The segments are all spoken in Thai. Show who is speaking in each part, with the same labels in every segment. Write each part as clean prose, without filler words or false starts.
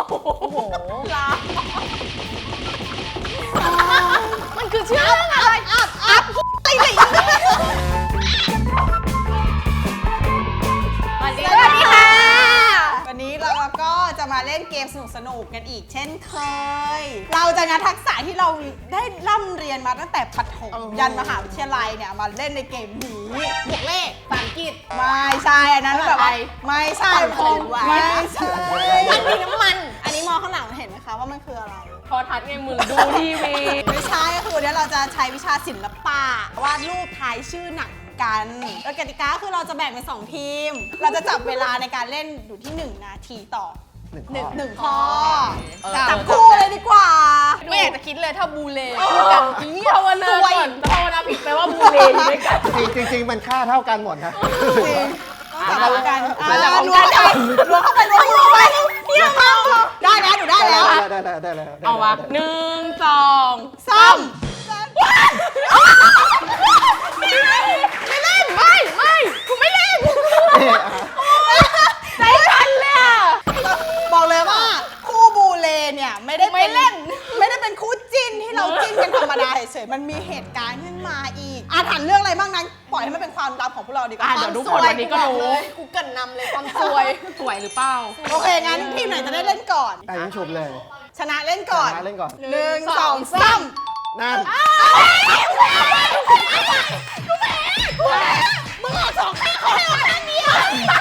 Speaker 1: โหลามันคือชื่อเรื่องอะไรอัพอะไรเนี่ยสวัสดีค่ะ
Speaker 2: วันนี้เราก็จะมาเล่นเกมสนุกกันอีกเช่นเคยเราจะงัดทักษะที่เราได้ร่ำเรียนมาตั้งแต่ประถมยันมหาวิทยาลัยเนี่ยมาเล่นในเกมนี้
Speaker 1: บวกเลขภาษาอังกฤษ
Speaker 2: ไม่ใช่อันนั้นแบบไม่ใช่ไม่ใช่
Speaker 1: มันมีน้ำมัน
Speaker 2: อันนี้มองข้างหลังเห็นไหมคะว่ามันคืออะไร
Speaker 3: พอทัดไงมือดูทีวี
Speaker 2: ไม่ใช่ก็คือวันนี้เราจะใช้วิชาศิลปะวาดรูปทายชื่อหนังกันแล้วกติกาคือเราจะแบ่งเป็น2ทีมเราจะจับเวลาในการเล่นอยู่ที่1นาทีต่อหนึ่งข้อจับคู่เลยดีกว่า
Speaker 1: ไม่อยากจะคิดเลยถ้าบูเล่พูดกัน
Speaker 3: ภาวนาก่อนภาวนาผิดไปว่าบูเลอยู่ด้วยกัน
Speaker 4: จริงมันค่าเท่ากันหมดนะ
Speaker 2: จริงต้องจับกันล้วงเข้าไปล้วงเข้าไปเนี่ยมาได้แล้วหนูได้แล้ว
Speaker 4: ได้แล้ว
Speaker 3: เอาวะ1 2 3
Speaker 1: ไม่เล่นไม่กูไม่เล่นใจฉันเลยอ่ะ
Speaker 2: บอกเลยว่าคู่บูเลเนี่ยไม่ได้เป็นคู่จิ้นที่เราจิ้นกันธรรมดาเฉยๆมันมีเหตุการณ์ขึ้นมาอีกอาถรรพ์เรื่องอะไรบ้างนั้นปล่อยให้มันเป็นความลับของพวกเราดีกว่า
Speaker 3: เดี๋ยวทุกคนวันนี้ก็รู้
Speaker 1: กูเกินนำเลยความสวย
Speaker 3: หรือเปล่า
Speaker 2: โอเคงั้นทีมไหนจะได้เล่นก่อน
Speaker 4: ได้ยังฉุบเลย
Speaker 2: ชนะเล่นก่อน1 2 3
Speaker 4: นั่น
Speaker 1: มึงออก2ข้างเขาให้ออกข้างเดียว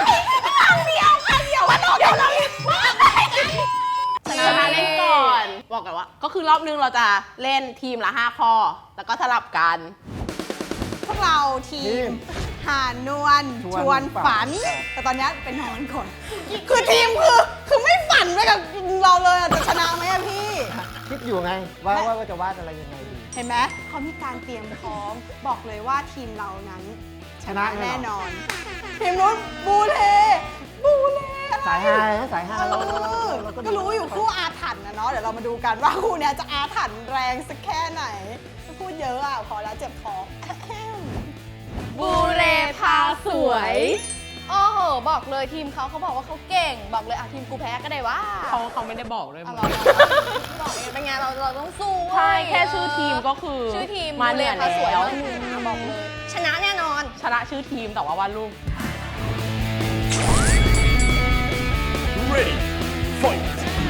Speaker 1: วันออกเดี๋ยวเรา
Speaker 3: ชนะเล่นก่อนบอกกันว่าก็คือรอบนึงเราจะเล่นทีมละ5ข้อแล้วก็สลับกัน
Speaker 2: พวกเราทีมหานวลชวนฝันแต่ตอนนี้เป็นนอนก่อนคือทีมคือไม่ฝันไปกับเราเลยจะชนะไหมอะพี่
Speaker 4: คิดอยู่ไงว่าจะวาดอะไรยังไงดี
Speaker 2: เห็นไหมเขามีการเตรียมพร้อมบอกเลยว่าทีมเรานั้น
Speaker 4: ชนะ
Speaker 2: แน่นอนทีมนู้นบูเล่
Speaker 4: สายฮาสายฮา
Speaker 2: ก็รู้อยู่คู่อาถรรพ์นะเนาะเดี๋ยวเรามาดูกันว่าคู่เนี้ยจะอาถรรพ์แรงสักแค่ไหนพูดเยอะอ่ะพอแล้วเจ็บคอ
Speaker 1: บูเล่พาสวยโอ้โหบอกเลยทีมเขาบอกว่าเขาเก่งบอกเลยทีมกูแพ้ก็ได้ว่า
Speaker 3: เขาไม่ได้บอกเลย
Speaker 1: บอกเองเป็นไงเราต้องสู้
Speaker 3: ใช่แค่ชื่อทีมก็คือ
Speaker 1: ชื่อทีม
Speaker 3: มาเหนือแล้ว
Speaker 1: บอกเลยชนะแน่นอน
Speaker 3: ชนะชื่อทีมแต่ว่าวาดรูป
Speaker 2: Ready fight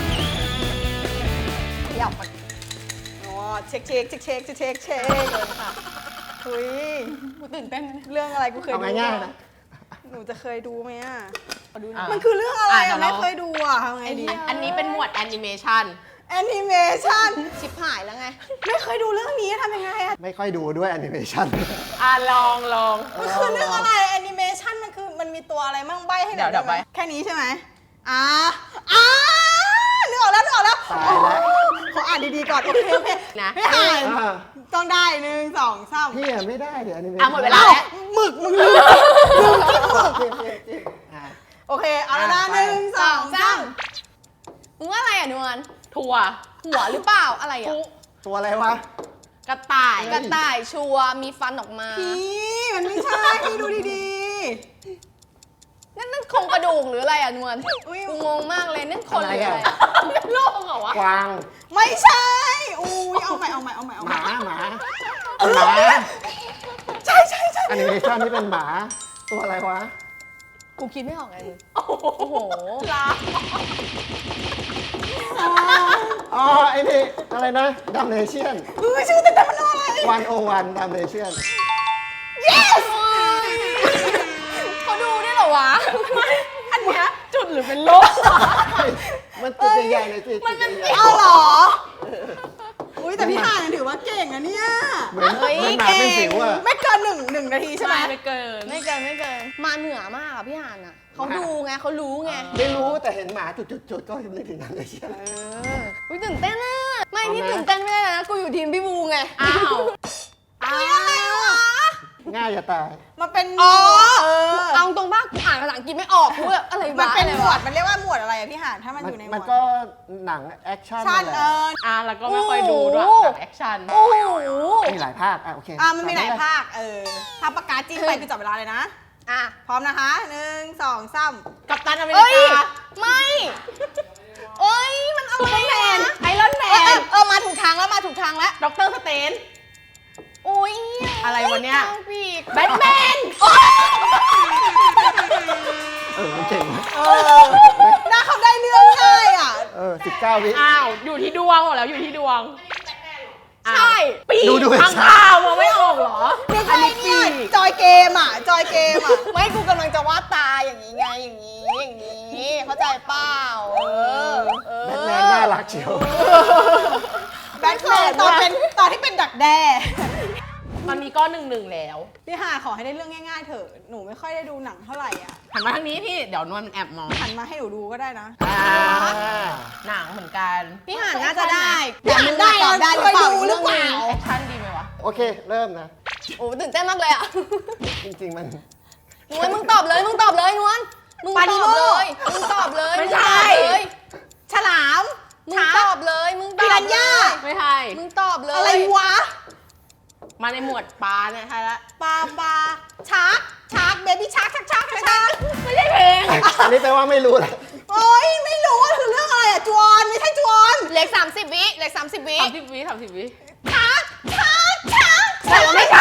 Speaker 2: อยากอ๋อเช็คเลยค่ะคุย
Speaker 1: กูตื่นเต้น
Speaker 2: เรื่องอะไรกูเคยดู
Speaker 4: ง่ายๆนะ
Speaker 2: หนูจะเคยดูไหมอ่ะมันคือเรื่องอะไรอ่ะไม่เคยดูอ่ะทำไงดี
Speaker 3: อันนี้เป็นหมวดแอนิเมชัน
Speaker 1: ชิบหายแล้วไง
Speaker 2: ไม่เคยดูเรื่องนี้ทำยังไงอ่ะ
Speaker 4: ไม่ค่อยดูด้วยแอนิเมชัน
Speaker 3: ลอง
Speaker 2: มันคือเรื่องอะไรแอนิเมชันมันมีตัวอะไรมั่งใบให้หน่อยได้ไหมแค่นี้ใช่ไหมนึกออกแล้วขออ่านดีๆก่อนโอเค
Speaker 3: นะ
Speaker 2: ไม่อ่านต้องได้1 2 3
Speaker 4: พี่ไม่ได้เดี๋ยวแอนิเมชัน
Speaker 3: หมดเวลาแล้ว
Speaker 2: หมึกมึงลืมโอเคเอาแล้วนะ1 2 3
Speaker 1: มึงว่าอะไรอ่ะนวล
Speaker 3: ถั่ว
Speaker 1: หัวหรือเปล่าอะไรอ่ะ
Speaker 4: ตัวอะไรวะ
Speaker 3: กระต่
Speaker 1: ายชัวมีฟันออกมา
Speaker 2: พี่มันไม่ใช่พี่ดูดี
Speaker 1: นั่นโครงกระดูกหรืออะไรอ่ะนวลกูงงมากเลยนั่นคนอะไร
Speaker 3: โลกเหรอวะ
Speaker 4: กวาง
Speaker 2: ไม่ใช่อุ้ยเอาใหม่
Speaker 4: หมา
Speaker 2: ใช่
Speaker 4: แอนิเมชันนี่เป็นหมาตัวอะไรวะ
Speaker 1: กูคิดไม่ออกไง
Speaker 3: โอ้โหลา
Speaker 4: ไอ้นี่อะไรนะดัมเนเชียน
Speaker 2: ชื่อแต่มันอะไร
Speaker 4: 101ดัมเนเชียน
Speaker 2: yes
Speaker 1: เขาดูได้เหรอวะ
Speaker 3: อันเนี้ยจุดหรือเป็นโลก
Speaker 4: มันจุดใหญ่ๆเลย
Speaker 2: มันเอาเหรออุ้ยแต่พี่ห่านถือว่าเก่งนะเนี่ย
Speaker 4: เหมือนหมาเป็นสิวอะ
Speaker 2: ไม่เกิน1 นาทีใช่ไหม
Speaker 3: ไม่เกิน
Speaker 1: มาเหนือมากอ่ะพี่ห่านอ่ะเขาดูไงเขารู้ไง
Speaker 4: ไม่รู้แต่เห็นหมาจุดๆก็นึกถึงนั่นเลยใช่ไหม
Speaker 1: ตื่นเต้นอ่ะไม่ที่ตื่นเต้นไม่ได้นะกูอยู่ทีมพี่บูไง
Speaker 2: อะไรวะ
Speaker 4: ง่ายจะตาย
Speaker 2: มันเป็น
Speaker 1: เอาตรงบ้ากูอ่านภาษาอังกฤษไม่ออกกูแบบอะไรวะ
Speaker 2: มันเป็นหมวดมันเรียกว่าหมวดอะไรอะพี่ห่านถ้ามันอยู่ในหมวด
Speaker 4: มันก็หนังแอคชั่น
Speaker 3: แล้วก็ไม่ค่อยดูด้วยแอคชั่น
Speaker 4: มีหลายภาคโอเค
Speaker 2: มันมีหลายภาคถ้าประกาศจิ้มไปคือจับเวลาเลยนะพร้อมนะคะ1 2 3
Speaker 3: กัปตันอเมริกา
Speaker 1: ไม่เอ้ย
Speaker 3: เตน
Speaker 1: โอ้ย
Speaker 3: อะไรวะเนี่ย
Speaker 1: กลางปีก
Speaker 3: แบทแมน
Speaker 4: มันเก่งนะ
Speaker 2: น่าเขาได้เรื่องง่ายอ่ะ
Speaker 4: 19 วิ
Speaker 3: อ้าว อยู่ที่ดวงหมดแล้วอยู่ที่ดวง
Speaker 1: ใช่
Speaker 3: ปี
Speaker 4: ดู
Speaker 3: ข้างข้าวมองไม่ออกเหรอ อันนี้ปี
Speaker 2: จอยเกมอ่ะ จอยเกมอ่ะ ไม่กูกำลังจะวาดตาอย่างนี้ไง อย่างนี้ อย่างนี้ เข้าใจเปล่า
Speaker 4: แบทแมนน่ารักเชียว
Speaker 2: แบทแมนตอนที่เป็นดักแด้
Speaker 3: ตอนนี้ก็1-1แล้ว
Speaker 2: พี่หาขอให้ได้เรื่องง่ายๆเถอะ หนูไม่ค่อยได้ดูหนังเท่าไหร่อ่ะ
Speaker 3: หันมาทางนี้พี่ เดี๋ยวนวลแอบมอง
Speaker 2: หันมาให้หนูดูก็ได้นะ
Speaker 3: หนังเหมือนกัน
Speaker 1: พี่หานน่าจะได้
Speaker 2: พี่หานได้
Speaker 1: ตอบได้หรือเปล่า
Speaker 2: เคยดูหรือเปล่า
Speaker 3: แอคชั่นดีไหมวะ
Speaker 4: โอเค เริ่มนะ
Speaker 1: โอ้ตื่นเต้นมากเลยอ่ะ
Speaker 4: จริง ๆ มัน
Speaker 1: นวลมึงตอบเลยนวลมึงตอบเลย มึงตอบเลยมึงตอบเลย
Speaker 3: ไม่ใช่
Speaker 2: ฉลาม
Speaker 1: มึงตอบเลยมึงตอบ
Speaker 2: ปิรันย่า
Speaker 3: ไม่ใช่
Speaker 1: มึงตอบเลย
Speaker 2: อะไรวะ
Speaker 3: มาในหมวดปลาเนี่ยใช่ละ
Speaker 2: ปลาชาร์กเบบี้ชาร์ก
Speaker 3: ไม่ใช่เพลง
Speaker 4: อันนี้แปลว่าไม่รู้แหละ
Speaker 2: โอ๊ยไม่รู้ว่าคือเรื่องอะไรอ่ะจวนไม่ใช่จวน
Speaker 1: เหล็ก30 วิเหล็ก30 วิ
Speaker 3: 30 วิ
Speaker 2: ชาร์ก
Speaker 3: แต่ว่าไม่ใช่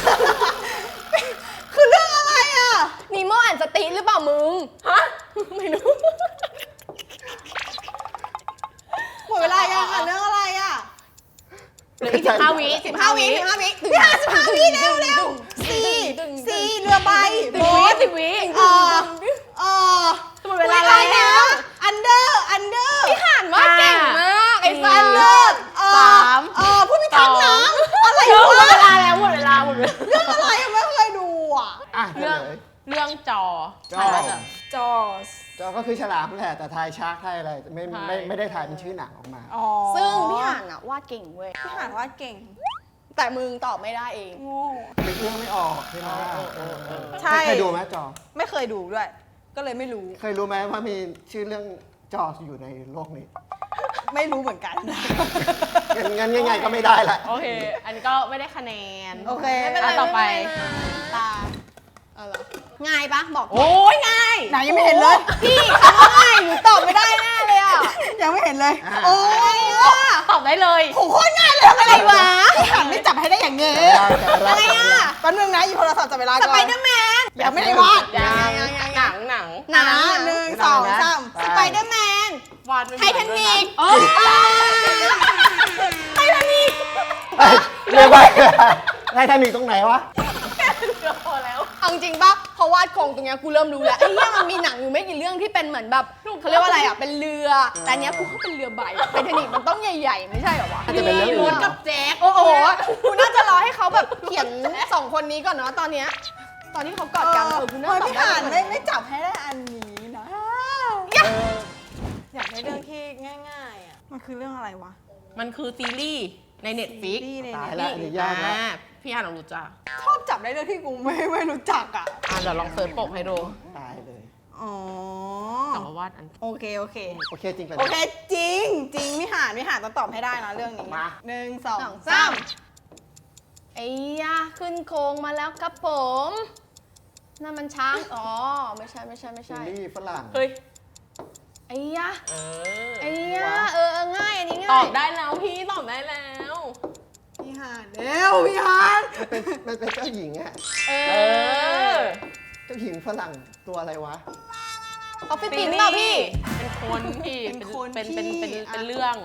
Speaker 2: คือเรื่องอะไรอ่ะ
Speaker 1: นีโมแอนสตีนหรือเปล่ามึง
Speaker 3: ฮะ
Speaker 1: ไม่รู้
Speaker 2: หมดเวลายังอ่ะเรื่องอะไรอ่ะ
Speaker 3: เหลืออีก15 วิ
Speaker 1: 15 วิ15 วิ
Speaker 2: พี่หา15 วิเร็วซีเรือใบ
Speaker 3: 10 วิ หมดเวลา
Speaker 2: อะไร
Speaker 3: แล้ว
Speaker 2: นะอันเดอร์
Speaker 1: พี่หานว่าเก่งมากไอ้สั
Speaker 2: อั
Speaker 1: น
Speaker 2: น
Speaker 1: เล
Speaker 2: เดอย ร์ผู้พิทักษ์น้ำอะไร
Speaker 3: หมด
Speaker 2: วะ
Speaker 3: เวลาแล้วหมดเวลา
Speaker 2: เรื่องอะไรอะไม่เคยดูอ่ะ
Speaker 4: อ่ะ
Speaker 3: เรื่อง
Speaker 4: เลย
Speaker 3: เรื่องจอ
Speaker 4: จอ
Speaker 3: ใช่แล้วจ้ะ
Speaker 2: จอส
Speaker 4: จอก็คือฉลามแหละแต่ทายชาร์กทายอะไรไม่
Speaker 3: ใช่
Speaker 4: ไม่ได้ทายเป็นชื่อหนังออกมา
Speaker 2: อ๋อ
Speaker 1: ซึ่งพี่หานอะวาดเก่งเว้ย
Speaker 2: พี่หานว่าเก่ง
Speaker 1: แต่มึงตอบไม่ได้เอง
Speaker 2: โง่
Speaker 4: นึกเรื่องไม่ออกใช่ไหม
Speaker 2: ใช่
Speaker 4: เคยดูไหมจอ
Speaker 2: ไม่เคยดูด้วย ก็เลยไม่รู้
Speaker 4: เคยรู้ไหมว่ามีชื่อเรื่องจออยู่ในโลกนี้
Speaker 2: ไม่รู้เหมือนกัน
Speaker 4: งั้นยังไงก็ไม่ได้ละ
Speaker 3: โอเค อันนี้ก็ไม่ได้คะแนน
Speaker 2: โอเค
Speaker 1: ไม่เป็นไร
Speaker 3: ต่อไป
Speaker 1: ม่เป็นไรนะตาง่ายปะบอก
Speaker 3: โอ้ยง่าย
Speaker 2: ไหนยังไม่เห็นเลย
Speaker 1: พี่คำว่าง่ายหนูตอบไม่ได้แน่เลยอ่ะ
Speaker 2: ยังไม่เห็นเลย
Speaker 4: อ่า
Speaker 2: โอ้ย
Speaker 3: ตอบได้เลย
Speaker 2: โหโคตรง่ายเลยอะไรวะพี่หานไม่จับให้ได้อย่างเงี้ย
Speaker 1: อะไรอ่ะ
Speaker 2: แป๊บนึงนะหยิบโทรศัพท์จับเวลา
Speaker 1: ส
Speaker 2: ก่อน
Speaker 1: ไปเดอร์แมน
Speaker 2: ยังไม่ได้วาด
Speaker 3: หนัง
Speaker 1: หนัง
Speaker 2: หนึ่งสองสาม
Speaker 1: สไปเดอร์แมน
Speaker 3: วาดม่
Speaker 1: ไททานิก
Speaker 3: เออ
Speaker 1: ไททานิก
Speaker 4: เรียกว่าไททานิกตรงไหนวะ
Speaker 3: พอแล้ว
Speaker 1: เอาจริงปะพอวาดโครงตรงเนี้ยกูเริ่มรู้แล้วไอ้เนี้ยมันมีหนังอยู่ไม่กี่เรื่องที่เป็นเหมือนแบบเขาเรียกว่าอะไรอ่ะเป็นเรือ แต่อันเนี้ยกูว่าเป็นเรือใบไททานิกมันต้องใหญ่ๆไม่ใช่เหรอวะ
Speaker 4: อาจจะเป็นเรื่อง
Speaker 3: มี
Speaker 4: อื่
Speaker 3: ร
Speaker 4: น
Speaker 3: ถกับแจ็ค
Speaker 1: โอ้โหกูน่าจะรอให้เขาแบบเขียนสองคนนี้ก่อนเนาะตอนเนี้ยตอนที่เขากอดกันกูน่าตอบ
Speaker 2: พี่
Speaker 1: ได้
Speaker 2: หาน
Speaker 1: เลย
Speaker 2: ไม่จับให้ได้อันนี้นะอยากได้เรื่องที่ง่ายๆอ่ะมันคือเรื่องอะไรวะ
Speaker 3: มันคือซีรีส์ใน Netflix
Speaker 2: ซีรีส์ใน
Speaker 4: ตาย
Speaker 2: Netflix
Speaker 4: แล้วอันนี้ยากแล้ว
Speaker 3: พี่อ่านรู้จัก
Speaker 2: ชอบจับได้เรื่องที่กูไม่รู้จักอ่ะ
Speaker 3: เดี๋ยวลองเซิร์ชปกให้ดู
Speaker 4: ตายเลย
Speaker 2: อ๋อ
Speaker 3: แต่ว่าวาดอัน
Speaker 2: โอเค
Speaker 4: โอเคจริงไป
Speaker 2: โอเคจริงพี่หานต้องตอบให้ได้นะเรื่องนี้
Speaker 4: มา
Speaker 2: หนึ่งสอง
Speaker 1: สอง
Speaker 2: สา
Speaker 1: สาม มไอ้ยาขึ้นโครงมาแล้วครับผมนั่นมันช้างอ๋อไม่ใช่
Speaker 4: ซีรีส์ฝรั่ง
Speaker 3: เฮ้ย
Speaker 1: ไอ้ยา
Speaker 3: เออ
Speaker 1: ไอ้ยาง่ายอันนี้
Speaker 3: ต
Speaker 1: ง่า
Speaker 3: อย บได้แล้วพี่ตอบได้แล้ว
Speaker 2: พี่หานเร็วพี่หาน
Speaker 4: มันเป็นเจ้าหญิงอะ
Speaker 1: เอ
Speaker 3: เอ
Speaker 1: อ
Speaker 3: อ
Speaker 4: เจ้าหญิงฝรั่งตัวอะไรวะ
Speaker 1: เขาไปปิ้นเปล่าพี่
Speaker 3: เป็นคนพี่
Speaker 2: เป็นคน
Speaker 3: เป็น
Speaker 2: ที่
Speaker 3: เป็นเรื่อง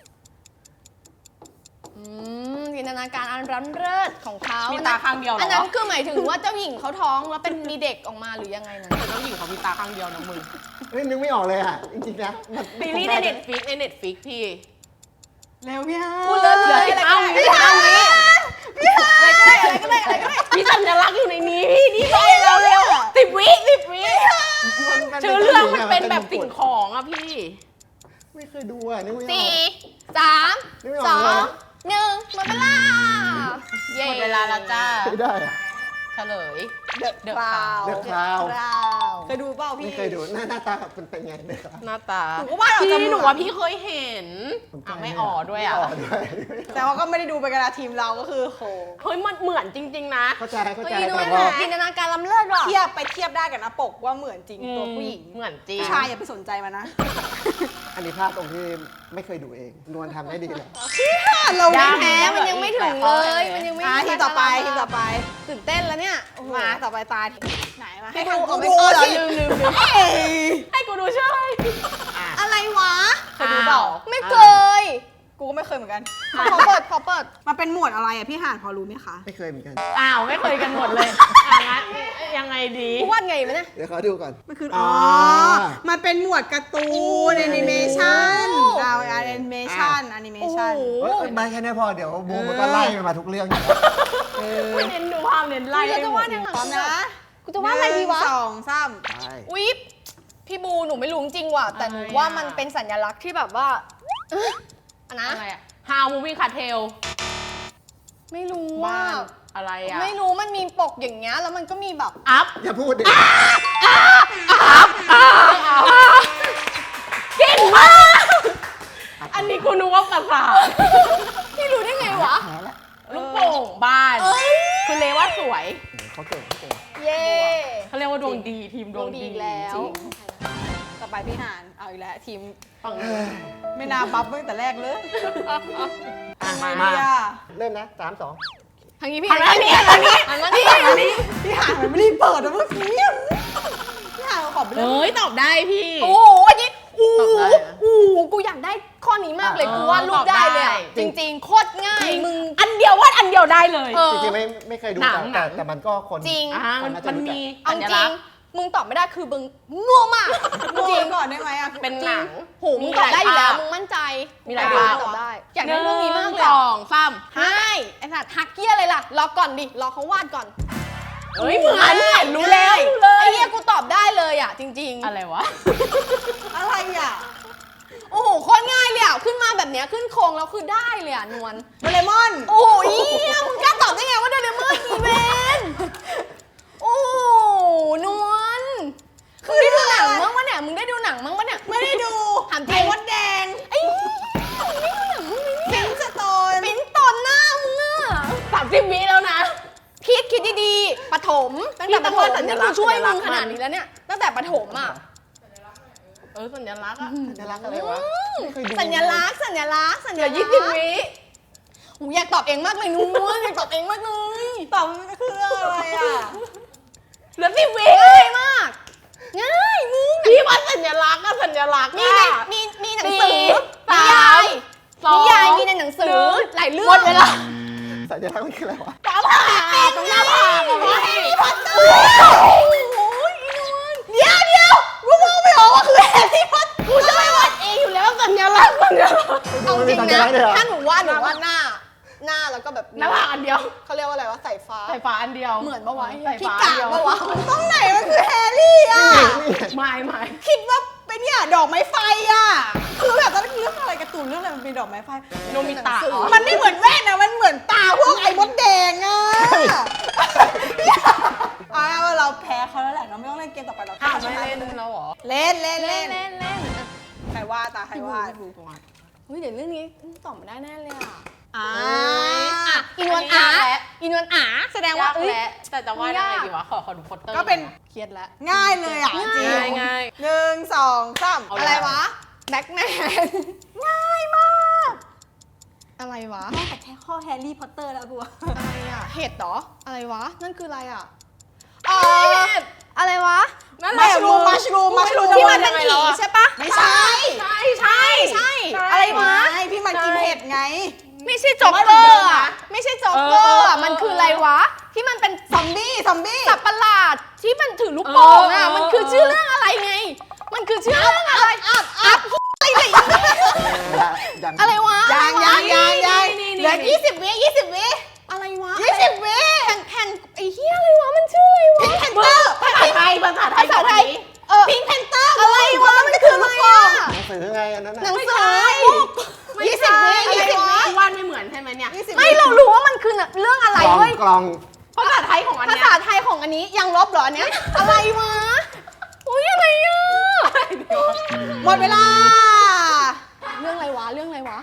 Speaker 1: จินตนาการอันร้ำเริดของเขา
Speaker 3: มีตาข้างเดียวเหร
Speaker 1: อั
Speaker 3: อน
Speaker 1: นั้นคือหมายถึงว่าเจ้าหญิงเขาท้องแล้วเป็นมีเด็กออกมาหรือยังไงนะ
Speaker 3: เจ้าหญิงเขามีตาข้างเดียวนะมึง
Speaker 4: เฮ้ยนึกไม่ออกเลยอะจริงๆนะมัน
Speaker 3: ซีรีส์ใน Netflix พี่
Speaker 2: เร็วพี่หาน
Speaker 1: พูดเลย
Speaker 3: เหลือ
Speaker 1: อะไรก็ได้
Speaker 3: 15 วิ
Speaker 1: อะไรก็ได้อะไรก็ได้
Speaker 3: มีสัญลักษณ์อยู่ในนี้พี่นี่ไปแล้วเร็ว10 วิชื่อเรื่องมันเป็นแบบสิ่งของอะพี่
Speaker 4: ไม่เคยดูอะนึกไม่ออก
Speaker 1: สี่สาม
Speaker 4: นึกไม่อ
Speaker 1: ส
Speaker 4: อ
Speaker 1: อก
Speaker 4: เลย
Speaker 1: งหนึ่งหมดเวลาเย้
Speaker 3: หมดเวลาแล้วจ้า
Speaker 4: ไม่ได้อะ
Speaker 3: เฉลย
Speaker 2: เดอะ
Speaker 3: The
Speaker 2: คลาว
Speaker 4: The Crown
Speaker 2: เคยดูเปล่าพี่
Speaker 4: ไม่เคยดูหน้าตาเป็นไงเลยครับ
Speaker 3: หน้าตา
Speaker 2: หนูก็ว่าเราจะ
Speaker 3: พี่
Speaker 2: เหมือน
Speaker 3: หนูว่าพี่เคยเห็นไม่อ๋อด้วยอ่ะ
Speaker 4: ไม่ด้วย
Speaker 2: แต่ว่าก็ไม่ได้ดูไปกันนะทีมเราก็คือโห
Speaker 3: เฮ้ยมันเหมือนจริงๆนะ
Speaker 4: เข้าใจ
Speaker 1: เฮ้ย
Speaker 4: แต่
Speaker 1: ดู
Speaker 4: ว่า
Speaker 1: นะจินตนาการล้ำเลิศว่ะ
Speaker 2: เทียบได้กันนะปกว่าเหมือนจริงตัวผู้หญิง
Speaker 3: เหมือนจริง
Speaker 2: ผู้ชายอย่าไปสนใจมันนะ
Speaker 4: อันนี้พลาดตรงที่ไม่เคยดูเองนวลทำได้ดีเลย
Speaker 2: เราไม่
Speaker 1: แพ้มันยังไม่ถึงเลย มันยังไม่
Speaker 2: ทีมต่อไปทีมต่อไป
Speaker 1: ตื่นเต้นแล้วเนี่ยโอ้โห
Speaker 2: มาต่อไปตาไหนมา
Speaker 1: ให้
Speaker 2: ให้
Speaker 1: ดู
Speaker 2: ดู
Speaker 1: เอาไม่
Speaker 2: ดู
Speaker 1: เอา
Speaker 2: สิ
Speaker 1: ลืม
Speaker 3: ให้กูดูช่วย
Speaker 2: อะไรวะ
Speaker 3: เคยดูเปล่า
Speaker 1: ไม่เคย
Speaker 2: กูก็ไม่เคยเหมือนกัน
Speaker 1: ขอเปิดขอเปิด
Speaker 2: มันเป็นหมวดอะไรอ่ะพี่ห่านพอรู้ไหมคะ
Speaker 4: ไม่เคยเหมือนกัน
Speaker 3: อ้าวไม่เคยกันหมดเลยงั้นยังไงดี
Speaker 1: กูวาดไงวะเนี่ย
Speaker 4: เดี๋ยวเขาดูก่อน
Speaker 2: มันคือ
Speaker 4: อ๋
Speaker 2: อ๋
Speaker 4: อ
Speaker 2: อ มันเป็นหมวดการ์ตูนแอนิเมชันดาวแอนิเมชันแอนิเมชัน
Speaker 4: เฮ้ยไม่แค่นี้พอเดี๋ยวบูมมันก็ไล่มาทุกเรื่อง
Speaker 3: ไม่เน้นดูภาพเน้นไล่
Speaker 1: เราจะวาดยังไง
Speaker 2: พร้อมนะ
Speaker 1: กูจะวาดอะไรดีวะ
Speaker 2: 1 2 3
Speaker 4: ใช่
Speaker 1: อุ๊ยพี่บูหนูไม่รู้จริงว่ะ แต่หนูว่ามันเป็นสัญลักษณ์ที่แบบว่าอะนะ
Speaker 3: อะไรอะ How Moving Cartel
Speaker 1: ไม่รู้ว่า
Speaker 3: บ้านอะไรอะ
Speaker 1: ไม่รู้มันมีปกอย่างเงี้ยแล้วมันก็มีแบบ
Speaker 3: อัพ
Speaker 4: อย่าพูดดิ
Speaker 3: เก่งมาก อันนี้กูนึกว่าภาษาท
Speaker 1: พี่รู้ได้ไงวะ
Speaker 4: แพ้แล้ว
Speaker 3: ลูกโป่งบ้าน คือเลว่าสวย
Speaker 4: เขาเก่งเขาเก่ง
Speaker 1: เย้
Speaker 3: เขาเรียกว่าดวงดีทีมด
Speaker 1: ด
Speaker 3: ว
Speaker 1: ว
Speaker 3: ง
Speaker 1: ง
Speaker 3: ดี
Speaker 1: ดีแล้ว
Speaker 3: จริง
Speaker 2: ต่อไปพี่ห่าน เอาอีกแล้วทีม
Speaker 3: ฝั่ง
Speaker 2: ไม่น่าบัฟตั้งแต่แรกเลย
Speaker 3: มา
Speaker 4: มา
Speaker 2: เนี่ย
Speaker 4: เริ่มนะ3 2
Speaker 1: ทางนี้พี่
Speaker 3: ทางนี้ทางนี้
Speaker 1: อันนี้อันนี้
Speaker 2: พี่ห่านมันไม่ได้เปิดนะเมื่อกี้พี่ห่านขอไปเล่น
Speaker 3: เฮ้ยตอบได้พี่
Speaker 1: โอ้โหอันนี้โอ้โห
Speaker 3: ตอบได้อะ
Speaker 1: โอ้โหกูอยากได้ข้อนี้มากเลย กูวาดรูปได้เลยอะ
Speaker 3: ตอบได้
Speaker 1: จริงๆ โคตรง่าย มึง
Speaker 3: อันเดียววาดอันเดียวได้เลย
Speaker 1: เออ
Speaker 4: จริงๆไม่เคยดู
Speaker 3: หนัง
Speaker 4: แต่มันก็คน
Speaker 1: จริง
Speaker 3: มัน
Speaker 4: น่าจะ
Speaker 3: มัน
Speaker 4: รู้จัก
Speaker 3: มี
Speaker 1: เอา
Speaker 3: สั
Speaker 1: จ
Speaker 3: ญ
Speaker 1: ริ
Speaker 3: ลั
Speaker 1: ง
Speaker 3: กษณ์
Speaker 1: มึงตอบไม่ได้คือมึงโง่มาก
Speaker 2: จริงก่อนได้ไหมอ่ะ
Speaker 3: เป็นหนัง
Speaker 1: โหมึงตอบได้อยู่แล้ว
Speaker 3: มีหลายภาพ
Speaker 1: มึงมั่นใจ
Speaker 3: มีหลายภาพ
Speaker 1: ตอบได้ อยากได้เรื่องนี้มากเลย
Speaker 3: 1
Speaker 1: อะ
Speaker 3: 2 3
Speaker 1: ให้ไอ้สัตว์ฮักเกี้ยอะไรล่ะ รอก่อนดิ รอเขาวาดก่อน
Speaker 3: เฮ้ยเหมือนรู้แล้วรู้เล
Speaker 1: ไอ้
Speaker 3: ย
Speaker 1: เหี้ยกูตอบได้เลยอ่ะ จริง
Speaker 3: อะไรวะ
Speaker 2: อะไรอ่ะ
Speaker 1: ๆ โอ้โห โคตรง่ายเลยอ่ะ ขึ้นมาแบบเนี้ยขึ้นโครงแล้วคือได้เลยอ่ะนวล
Speaker 2: โดเรมอน
Speaker 1: โอ้ยเหี้ยมึงกล้าตอบได้ไงว่าโดเรมอนอีเวนโอ้โหนวลมึงได้ดูหนังมั้งวะเนี่ย มึงได้ดูหนังมั้งวะเนี่ย
Speaker 2: ไม่ได้ดู
Speaker 1: ถามจริ
Speaker 2: ไอ้
Speaker 1: ง
Speaker 2: มดแดง
Speaker 1: ไอ้เหี้ยมึงได้ดูหนังมั้งไหมเนี่ย
Speaker 2: ฟิงสโตน
Speaker 1: ปิ้นตอนหน้ามึงอ่ะ
Speaker 3: 30 วิแล้วนะ
Speaker 1: คิดดีๆปฐมตั้งแต่ปฐมนี่กูช่วยมึงขนาดนี้แล้วเนี่ย ตั้งแต่ปฐมอ่ะ
Speaker 3: สัญลักษณ์อะ
Speaker 4: สัญลักษณ์อะไรวะไม่เคยดู
Speaker 1: สัญลักษณ์
Speaker 3: เหลือ 20 วิ
Speaker 1: หูอยากตอบเองมากเลยนู้นอยากตอบเองมากเลย
Speaker 2: ตอบมันคืออะไรอ่ะ
Speaker 3: เหลือ10 วิ
Speaker 1: ง่ายมากง่ายมึง
Speaker 3: พี่ว่าสัญลักษณ์อะสัญลักษณ์
Speaker 1: มี
Speaker 3: อะ
Speaker 1: มีหนังสือ
Speaker 3: 4
Speaker 1: นิยาย
Speaker 3: 3 2
Speaker 1: นิยายมีในหนังสือหลายเรื่อง
Speaker 3: หมดเวลา
Speaker 4: สัญลักษณ์มันคืออะไรวะ
Speaker 3: ตาผากตรงหน้าผากอะพี่
Speaker 1: โอ้ยอีนวลเดี๋ยวกูมองไม่ออกว่าคือแฮร์รี่พอตเตอร์
Speaker 3: กูจะไม่วาดเองอยู่แล้วสัญลักษณ์
Speaker 1: เอาจริง
Speaker 4: มันมีสัญลั
Speaker 1: นะ
Speaker 4: กษณ์ด้วยเหรอ
Speaker 1: ถ้าหนูวาดหน้าแล้วก็แบบ
Speaker 3: หน้าผากอันเดียว
Speaker 1: เขาเรียกว่าอะไรวะสายฟ้า
Speaker 3: สายฟ้าอันเดียว
Speaker 1: เหมือนปะวะ
Speaker 3: สาย
Speaker 1: พี่
Speaker 3: ฟ้าก
Speaker 1: า
Speaker 3: อันเดียว
Speaker 1: ปะวะ
Speaker 2: ตรงไหนมันคือแฮร์รี่อ่ะ
Speaker 3: ไม่
Speaker 2: คิดว่าเป็นเนี่ยดอกไม้ไฟอ่ะ คือแบบตอนนั้นเรื่องอะไรการ์ตูนเรื่องอะไรมันเป็นดอกไม้ไฟ
Speaker 3: โนมิตะเหรอ
Speaker 2: มันไม่เหมือนแว่นนะมันเหมือนตาพวกไอ้มดแดงอ่ะเอาละเราแพ้เขาแล้วแหละเราไม่ต้องเล่นเกมต่อไปเรา
Speaker 3: อ้าวไม่เล่นแล้วเหรอ
Speaker 2: เล่น
Speaker 1: เล่น
Speaker 2: ใครว่าตาใครว่า
Speaker 1: เฮ้ยเดี๋ยวเรื่องนี้ตอบไม่ได้แน่เลยอ่ะ
Speaker 2: อ่า
Speaker 1: อินวนอาอินวนอาแสดงว่า
Speaker 3: ยาก
Speaker 1: เอ้ย
Speaker 3: แล้วแต่จะวาดยังไงดีวะ ขอดูโปสเตอร์
Speaker 2: ก็เป็น
Speaker 1: เครียดแล้ว
Speaker 2: ง่ายเลยอ่ะจริง
Speaker 3: ง่าย
Speaker 2: 1 2 3
Speaker 3: เอา
Speaker 1: อะไรวะแบ็กแมน
Speaker 2: ง่ายมาก
Speaker 1: อะไรวะ
Speaker 2: นอกจากแค่ข้อแฮร์รี่พอตเตอร์แล้วบัว
Speaker 1: อะไรอ่ะเห็ดเหรออะไรวะนั่นคืออะไรอ่ะอะไรวะ
Speaker 3: นั่นแห
Speaker 2: มั
Speaker 3: ละ
Speaker 2: ชรูมมัชรูมมัชรูม
Speaker 1: ที่มันเป็นผีใช่ปะ
Speaker 2: ไม่ใช่
Speaker 1: ใช่อะไรวะ
Speaker 2: ไม่พี่มันกินเห็ดไง
Speaker 1: ไม่ใช่จ็อกเกอร์อ่ะไม่ใช่จ็อกเกอร์อ่ะมันคืออะไรวะ ที่มันเป็น
Speaker 2: ซอมบี้
Speaker 1: สัตว์ประหลาดที่มันถือลูกโป่งอ่ะมันคือชื่อเรื่องอะไรไง มันคือชื่อเรื่องอะไรอัพอะไรวะ
Speaker 2: ยังเหลือ20 วิ
Speaker 1: อะไรวะ
Speaker 2: 20 วิ
Speaker 1: แผ่นไอ้เหี้ยอะไรวะมันชื่ออะไรวะ
Speaker 2: พิงค์แพนเตอร์
Speaker 3: ภาษาไทยก่อนนี้
Speaker 2: พิงค์แพนเตอร์
Speaker 1: อะไรวะมันคืออะไรอ่ะ
Speaker 4: หนังสือไงอันนั้น
Speaker 1: หนั
Speaker 4: น่ะ
Speaker 1: งสือ
Speaker 2: 20 วิ
Speaker 3: วาดไม่เหมือนใช่ไหมเนี่ย
Speaker 1: ไม่เรารู้ว่ามันคือเรื่องอะไร
Speaker 4: กล่อง
Speaker 1: เว้ย
Speaker 4: กล่อง
Speaker 3: ภาษาไทยของอัน
Speaker 1: ภา
Speaker 3: เนี้ย
Speaker 1: ษาไทยของอันนี้ยังลบเหรอเนี้ยอะไรวะอุ้ยอะไรอ่ะ
Speaker 2: หมดเวลา
Speaker 1: เรื่องอะไรวะ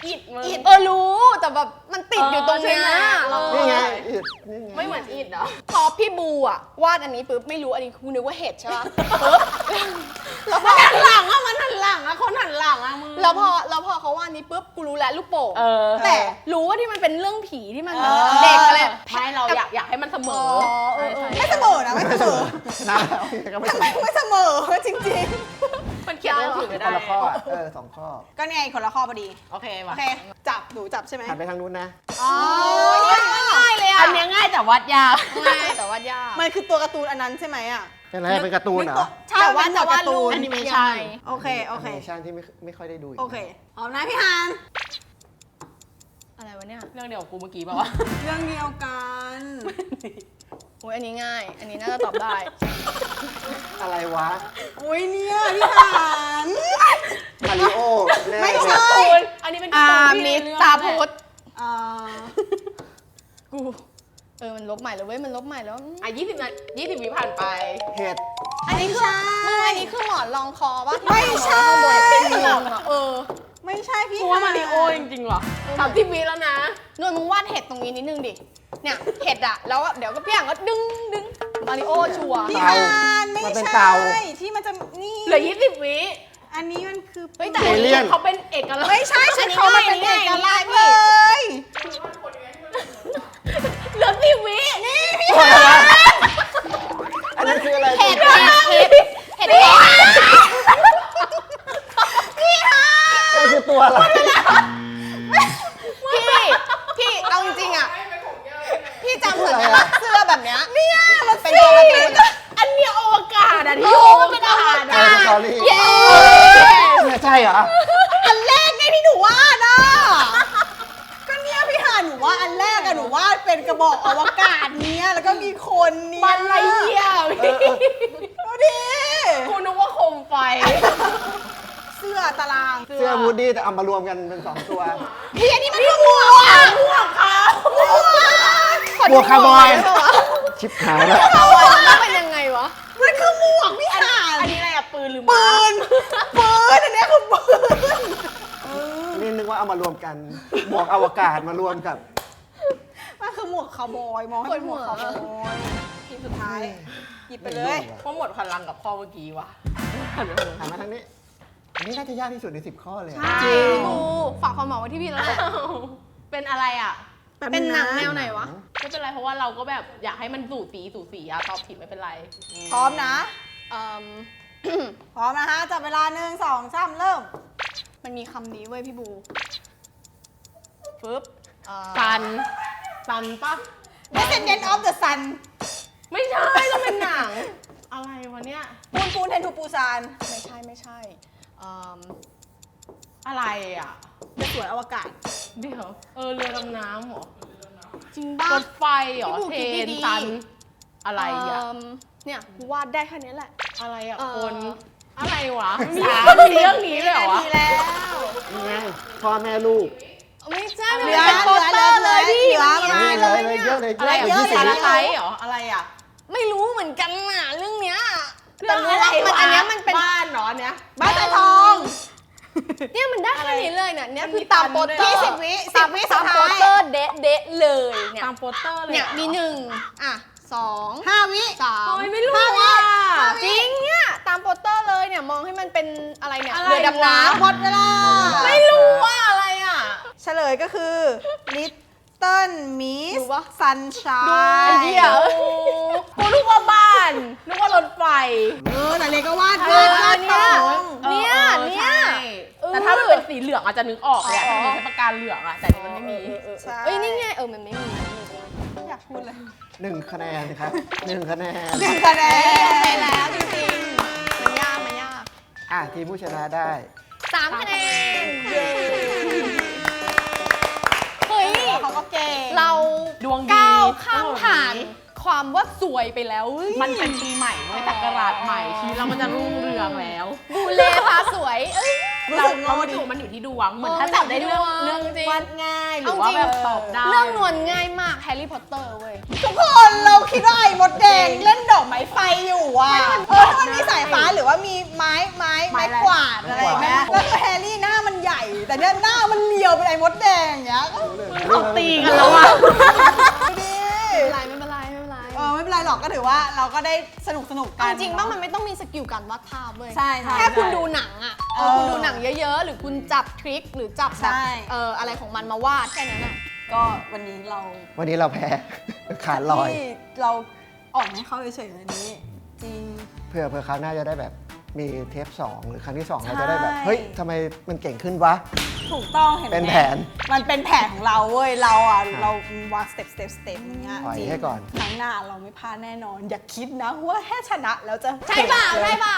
Speaker 3: อิดมึง
Speaker 1: รู้แต่แบบมันติดอยู่ตรงเนี้ย
Speaker 3: ใช่ไหมเรา
Speaker 1: เออ
Speaker 4: นี่ไงอิดนี่ไง
Speaker 3: ไม่เหมือนอิดเหรอ
Speaker 1: พอพี่บูอะวาดอันนี้ปุ๊บไม่รู้อันนี้กูนึกว่าเห็ดใช่ปะปุ๊บแล้วพอ
Speaker 3: หันหลังอะมันหันหลังอะคนหันหลังอะมึง
Speaker 1: แล้วพอเขาวาดนี้ปุ๊บกูรู้แล้วลูกโป่ง
Speaker 2: แต่
Speaker 1: แต่รู้ว่าที่มันเป็นเรื่องผีที่มันแบบเด็กอะไร
Speaker 3: ไม่เราอยากให้มันเสมอ
Speaker 2: ไม่เสมอนะไม่เสมอ
Speaker 4: นะก็ไม่
Speaker 2: ทำ
Speaker 4: ถู
Speaker 2: ไม
Speaker 4: ก
Speaker 2: ไม่เสมอจริง
Speaker 3: มันเขียนหนังสือไม่
Speaker 4: ค
Speaker 3: ได้
Speaker 4: นละข้อ2 ข้อ
Speaker 2: ๆ ก็เนี่ยคนละข้อพอดี
Speaker 3: โอเค
Speaker 2: โอ
Speaker 3: ว่ะ
Speaker 2: เคจับหนูจับใช่ไหม
Speaker 4: หันไปทางนู้นนะ
Speaker 2: อ๋อ
Speaker 1: ง่ายเลยอะ
Speaker 3: อันเนี้ยง่ายแต่วัดยาก
Speaker 1: ง่ายแต่ว่ายาก
Speaker 2: มันคือตัวการ์ตูนอันนั้นใช่ไหมอ่ะ
Speaker 4: เป็นอะไรเป็นการ์ตูนเหรอ
Speaker 2: ใช่แต่ว่าการ์ตูน
Speaker 3: แอนิเมชั่น
Speaker 2: โอเคโอเค
Speaker 4: แอนิเมชั่นที่ไม่ค่อยได้ดูก
Speaker 2: โอเคพร้อมนะพี่ฮาน
Speaker 1: อะไรวะเนี่ย
Speaker 3: เรื่องเดียวกับกูเมื่อกี้ป่าวะ
Speaker 2: เรื่องเดียวกัน
Speaker 1: โอ้ยอันนี้ง่าย อันนี้น่าจะตอบได้
Speaker 4: อะไรวะ
Speaker 2: อุ้ยเนี่ยพี่ฮาน
Speaker 4: มาริโอแน่
Speaker 2: ไม่
Speaker 4: เลย
Speaker 2: ใช่
Speaker 3: อันนี้เป็นการ์ตูนที่ใน
Speaker 1: มิส
Speaker 3: เรื่อง
Speaker 1: ตา
Speaker 3: แหละ
Speaker 1: พุทธ
Speaker 2: อ่า
Speaker 1: กูมันลบใหม่แล้วเว้ยมันลบใหม่แล้ว
Speaker 3: อ่ะ20 วิผ่านไป
Speaker 4: เห็ด
Speaker 1: อันนี้คืออันนี้คือหมอนรองคอปะ
Speaker 2: ไม่ใช่
Speaker 1: งงอะ
Speaker 2: ไม่ใช่พี่
Speaker 3: กูว่ามาริโอจริงๆเหรอ30 วิแล้วนะ
Speaker 1: นวลมึงวาดเห็ดตรงนี้นิดนึงดิ เนี่ยเห็ดอะแล้วเดี๋ยวก็พี่อ่างก็ดึงมาริโอชัวร์
Speaker 2: พี่ฮานไม่
Speaker 4: มันเป็น
Speaker 2: ใช่
Speaker 4: เตา
Speaker 2: ที่มันจะนี่
Speaker 3: เหลือ20 วิ
Speaker 2: อันนี้มันคือ
Speaker 1: เฮ้ยแต่
Speaker 4: เอเลี่ยน
Speaker 3: เขาเป็นเอกลักษณ์
Speaker 2: ไม่ใช่ฉันเขามันเป็นเอกลักษณ์เลย
Speaker 3: เหลือ10 วินี่
Speaker 4: ตัวอะไรวะอันนั้นคืออะไร
Speaker 1: เห็ดเห็ด
Speaker 4: นั่นคือตัวอะไร
Speaker 1: พี่เอาจริงๆอะพี่จำสัญลักษณ์เสื้อแบบเนี้ยเนี่ยมันเป็นตัวการ์ตูนอะ
Speaker 3: อันเนี้ยอวกาศอะที่อวกาศ
Speaker 4: เอ
Speaker 3: อะ
Speaker 4: อสตอรี่
Speaker 1: เย้
Speaker 4: เนี่ยใช่เหรอ
Speaker 2: อันแรกไงที่หนูวาดอ่ะก็เนี่ยพี่ฮานหนูว่าอันแรกอะหนูวาดเป็นกระบอกอวกาศเนี้ยแล้วก็มีคนเนี่ย
Speaker 3: มันอะไรเหี้ย
Speaker 2: ดูดิ
Speaker 3: กูนึกว่าโคมไฟ
Speaker 2: เสื้อตาราง
Speaker 4: เสื้อวูดดี้แต่เอามารวมกันเป็น2 ตัว
Speaker 2: พี่อันนี้มันคือหมวก
Speaker 3: หมวกเขา
Speaker 4: หมวกคาร์บอย ชิบหายแล้ว
Speaker 1: เอาอะแล้วเป็นยังไงวะ
Speaker 2: มันคือหมวกพี่ฮาน
Speaker 3: อันนี้อะไรอะปืนหรือ
Speaker 2: ปื
Speaker 3: ม้าน
Speaker 2: อันเนี้ยคือปืน
Speaker 4: นี่นึกว่าเอามารวมกันหมวกอวกาศมารวมกับ
Speaker 2: มันคือหมวกคาวบอยมองให้เป็นหมวกคาวบอยทีสุดท้ายหยิบไปเลย
Speaker 3: เพราะหมดพลังกับข้อเมื่อกี้ว่ะ
Speaker 4: หันมาทางนี้ อันนี้น่าจะยากที่สุดใน10 ข้อเลยอะ
Speaker 1: จริงกูฝากความหวังไว้ที่พี่แล้วแหละ
Speaker 3: เป็นอะไรอะ
Speaker 1: เป็นหนังแนวไหนวะ
Speaker 3: ไม่เป็นไรเพราะว่าเราก็แบบอยากให้มันสูสีอะตอบผิดไม่เป็นไร
Speaker 2: พร้อมนะ
Speaker 1: เอิ่ม
Speaker 2: พร้อมนะฮะจับเวลา1 2 3เริ่ม
Speaker 1: มันมีคำนี้เว้ยพี่บูปึ๊บ
Speaker 3: ซันปะ
Speaker 2: Descendant of the Sun
Speaker 3: ไม่ใช่ต้องเป็นหนัง อะไรวะเนี่ย
Speaker 2: ปูนเทนทูปูซาน
Speaker 1: ไม่ใช่เอิ่ม
Speaker 3: อะไรอ่ะ
Speaker 2: จะสวยอวกาศ
Speaker 3: เดี๋ยวเรือดำน้ำเหรอ
Speaker 1: จริงป่ะ
Speaker 3: รถไฟเหรอ
Speaker 1: พี่บู
Speaker 3: เท
Speaker 1: คิด
Speaker 3: น
Speaker 1: ดีๆ
Speaker 3: ซันอะไรอ่ะ
Speaker 1: เนี่ยกูวาดได้แค่นี้แหละ
Speaker 3: อะไรอ่ะ
Speaker 1: เอ่อ
Speaker 3: คนอะไรวะมีเรื่องนี้เลยเหรอวะ
Speaker 2: ดีแล้ว
Speaker 4: นี่ไงพ่อแม่ลูก
Speaker 1: ไม่ใช่
Speaker 2: เหลือ
Speaker 1: เป็นโปสเตอร์เลยพี่
Speaker 2: เหลือ
Speaker 1: มัน
Speaker 4: นี่
Speaker 1: มี
Speaker 4: เล
Speaker 1: เลย ย
Speaker 4: เลย
Speaker 1: เนี่ย
Speaker 4: เยอะเลย
Speaker 3: อะไร
Speaker 4: เยอะ
Speaker 3: อ่ะ
Speaker 4: เลย
Speaker 3: พารา
Speaker 4: 20
Speaker 3: ไซเหรออะไรอ่ะ
Speaker 1: ไม่รู้เหมือนกันน่ะเรื่องเนี้ย
Speaker 3: เรื่องอะไร
Speaker 1: แต่รู้ว่ามันอันเนี้ยมันเป็น
Speaker 3: บ้านเหรอเนี้ย
Speaker 2: บ้านไทยทอง
Speaker 1: เนี่ยมันได้แค่นี้เลยเนี่ยเนี่ย
Speaker 3: มัน
Speaker 1: คื
Speaker 3: มี
Speaker 1: อตามโปสเตอร์
Speaker 2: 20 วิ
Speaker 1: ตาม
Speaker 2: 10 วิ
Speaker 1: ตาม
Speaker 2: สุด
Speaker 1: โป
Speaker 2: ท้าย
Speaker 1: สเตอร์เดะเลยเนี่ย
Speaker 3: ตามโปสเตอร์เลย
Speaker 1: เนี่ย
Speaker 3: หรอ
Speaker 1: มีสอง
Speaker 2: 5 วิ
Speaker 1: สาม
Speaker 3: โอ้ยไม่รู้อ่ะ
Speaker 1: จริงเนี่ยตามโปสเตอร์เลยเนี่ยมองให้มันเป็นอะไรเนี่ย
Speaker 3: อะไร
Speaker 1: เรือดำน้
Speaker 2: หมดเวลา
Speaker 3: ไม่รู้ว่าอะไรอ่ะ
Speaker 2: เฉลยก็คือ Little Miss
Speaker 1: ดูปะ
Speaker 2: Sunshine
Speaker 1: ไอ้เหี้ย
Speaker 3: กูนึกว่าบ้านนึกว่ารถไฟ
Speaker 2: แต่เลยก็วาด
Speaker 1: เออ
Speaker 2: วาด
Speaker 1: เนี่ย
Speaker 2: ต่อ
Speaker 1: เนี่ย
Speaker 3: ใช่แต่ถ้ามันเป็นสีเหลืองอาจจะนึกออกเลยอะถ้ามันใช้ปากกาเหลืองอะแต่นี่มันไม่มี
Speaker 2: ใช่
Speaker 1: เอ้ยนี่ไงมันไม่มี
Speaker 2: อยากพูดเลย
Speaker 4: 1 คะแนนครับ1 คะแนน
Speaker 2: 1 คะแนน
Speaker 1: ไปแล้วจริงๆมันยาก
Speaker 4: ทีมผู้ชนะได้
Speaker 1: 3 คะแนนเฮ้ย
Speaker 2: เขาก็เก่ง
Speaker 1: เรา
Speaker 3: ดวงดี
Speaker 1: ก้าวข้ามผ่านความว่าสวยไปแล้วเฮ้ย
Speaker 3: มันเป็นปีใหม่เว้ยศักราชใหม่ชีวิตเรามันจะรุ่งเรืองแล้ว
Speaker 1: บูเล่พาสวยเอ้ย
Speaker 2: รู้
Speaker 3: เรา
Speaker 2: สึกง
Speaker 3: เรา
Speaker 2: ง
Speaker 3: มา
Speaker 2: ดิ
Speaker 3: ดูมันอยู่ที่ดวงเหมือน
Speaker 1: เออ
Speaker 3: ถ้าจับได้เรื่อง
Speaker 1: มันอยู่ที่ดวง
Speaker 3: เรื่อง
Speaker 1: จริง
Speaker 3: วาดง่ายหรือ
Speaker 1: เอา
Speaker 3: ว่า
Speaker 1: จริง
Speaker 3: แบบตอบได้
Speaker 1: เรื่องนวลง่ายมากแฮร์รี่พอตเตอร์เว้ย
Speaker 2: ทุกคนเราคิดว่าไอ้มดแดงเล่นดอกไม้ไฟอยู่อ่ะถ้ามันมีสายฟ้าหรือว่ามีไม้กวาดอะไรอย่างเงี้ยแล้วก็แฮร์รี่หน้ามันใหญ่ แต่เนี่ยหน้ามันเรียวเป็นไอ้มดแดงอย่างเงี้ย
Speaker 3: เขาตีกันแล้วอะ
Speaker 2: ดูดิ
Speaker 1: ไม่เป็นไรไม่เป็นไร
Speaker 2: ไม่เป็นไรหรอกก็ถือว่าเราก็ได้สนุกกั
Speaker 1: เอา
Speaker 2: น
Speaker 1: จริงป่ะมันไม่ต้องมีสกิลการวาดภาพเว้ย
Speaker 2: ใช่ใช่
Speaker 1: แค่คุณ
Speaker 2: ใช่
Speaker 1: ดูหนังอ่ะ
Speaker 2: เออ
Speaker 1: คุณดูหนังเยอะๆ หรือคุณจับทริคหรือจับแบบ
Speaker 2: ใช่
Speaker 1: อะไรของมันมาวาดแค่นั้นอ่ะ
Speaker 2: ก็วันนี้เรา
Speaker 4: วันนี้เราแพ้ ขาดลอย
Speaker 2: ที่เราอ่อนให้เขาเฉยๆวันนี้ จริง
Speaker 4: เพื่อคราวหน้าจะได้แบบมีเทป 2 หรือครั้งที่ 2
Speaker 2: ใช่
Speaker 4: เราจะได้แบบ เฮ้ยทำไมมันเก่งขึ้นวะ
Speaker 2: ถูกต้องเห็นไหม
Speaker 4: เป็นแผน
Speaker 2: มันเป็นแผนของเราเว้ยเราวางสเต็ปอย่างเงี้ย
Speaker 4: ปล่อย
Speaker 2: จริง
Speaker 4: ให้ก่อน
Speaker 2: ครั้งหน้าเราไม่พลาดแน่นอน อย่าคิดนะว่าแค่ชนะแล้วจะ
Speaker 1: ใช่เปล่า
Speaker 2: ก่งลย
Speaker 1: ใช่เปล่า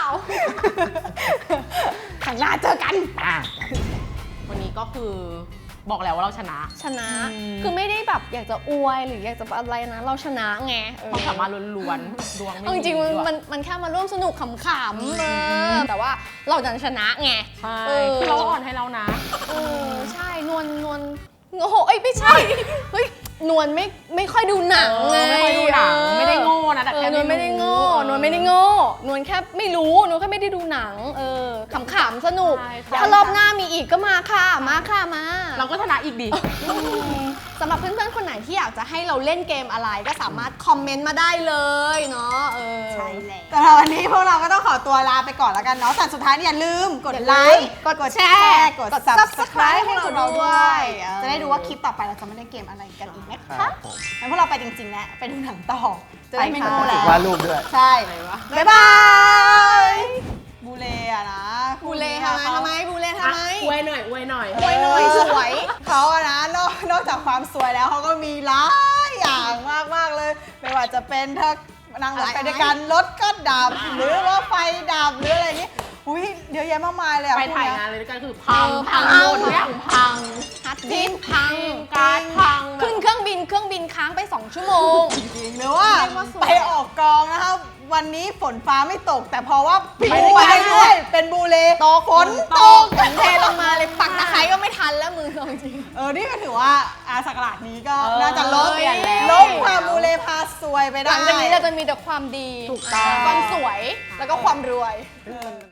Speaker 2: ครั้งหน้าเจอกัน
Speaker 3: วันนี้ก็คือบอกแล้วว่าเราชนะ
Speaker 1: ชนะ คือไม่ได้แบบอยากจะอวยหรืออยากจะอะไรนะ เราชนะไง
Speaker 3: ความสามารถล้วนๆดวงไม่
Speaker 1: เอาจ
Speaker 3: มี
Speaker 1: ริงๆ
Speaker 3: ด้วย
Speaker 1: มันแค่มาร่วมสนุกขำๆแต่ว่าเราจะชนะไง
Speaker 3: ใช่
Speaker 1: เออ
Speaker 3: คือเราอ่อนให้เรานะ
Speaker 1: ใช่นวลโอ้โหเอ้ยไม่ใช่เฮ้ยนวลไม่ค่อยดูหนังไง
Speaker 3: ไม่ค่อยดูหนังไม่ได้โง่นะแต่แค่
Speaker 1: นวลไม่ได้โง่นวลไม่ได้โง่นวลแค่ไม่รู้นวลแค่ไม่ได้ดูหนังขำๆสนุก
Speaker 3: ใช่
Speaker 1: ถ้ารอบหน้ามีอีกก็มาค่ะมาค่ะมา
Speaker 3: เราก็ชนะอีกดิ
Speaker 1: สำหรับเพื่อนๆคนไหนที่อยากจะให้เราเล่นเกมอะไรก็สามารถคอมเมนต์มาได้เลยเนาะ
Speaker 2: ใช่แล้วแต่วันนี้พวกเราก็ต้องขอตัวลาไปก่อนแล้วกันเนาะ แต่สุดท้ายอย่าลืมกดไลค์
Speaker 1: กดแชร์
Speaker 2: กด
Speaker 1: กด
Speaker 2: subscribe ให้พวกเราด้วย
Speaker 1: เออ
Speaker 2: จะได้ดูว่าคลิปต่อไปเราจะไม่ได้เกมอะไรกันอีกนะ
Speaker 4: ครั
Speaker 2: คะ
Speaker 4: บผม
Speaker 2: งั้นพวกเราไปจริงๆแล้วไปดูหนังต่อ จะได้ไม่
Speaker 1: ไปค่ะ
Speaker 2: โง่แล้ว
Speaker 4: วาดรูปด้วย
Speaker 2: ใช่
Speaker 3: อะไรวะ
Speaker 2: บ๊ายบายบูเล่อะนะ
Speaker 1: บูเล่ทำไมบูเล่ทำไม
Speaker 3: อวยหน่อยอวยหน่อย
Speaker 1: อวยหน่อยสวย
Speaker 2: เขาอะนะนอกจากความสวยแล้วเขาก็มีหลายอย่างมากๆเลย ไม่ว่าจะเป็นถ้านางรถไปด้วยกันรถก็ดับ หรือว่าไฟดับหรืออะไรอย่างนี้อุ้ยเยอะแยะมากมายเลยอะ
Speaker 3: ไป
Speaker 2: พวก
Speaker 3: ถ่าย
Speaker 2: เนี้ย
Speaker 3: งานเลยด้วยกันคือพัง
Speaker 1: พัง
Speaker 3: หมดเนี่ยพัง
Speaker 1: ฮาร์ดดิสก์พัง
Speaker 3: การ์ดพังแบบ
Speaker 1: ขึ้นเครื่องบินค้างไป 2 ชั่วโมง
Speaker 2: หรือว่า
Speaker 1: เรียกว่าสวย
Speaker 2: ไปออกกองนะคะวันนี้ฝนฟ้าไม่ตก แต่เพราะว่าปิด
Speaker 3: ไป
Speaker 2: ไป
Speaker 3: ด้วยกัน
Speaker 2: ด้วยเป็นบูเล
Speaker 1: ตก
Speaker 2: ฝนตก
Speaker 1: ฝนเทลงมาเลยปักตะไคร้ก็ไม่ทันแล้วมือเอาจริง
Speaker 2: นี่ก็ถือว่าสักราชนี้ก็น่าจะลบ
Speaker 1: เปลี่ยนแล้ว
Speaker 2: ลบความบูเลพาสวยไป
Speaker 1: ห
Speaker 2: ได้
Speaker 1: ลังจากนี้เราจะมีแต่ความดี
Speaker 3: ถูกต้อง
Speaker 1: ความสวยแล้วก็ความรวย
Speaker 2: เออ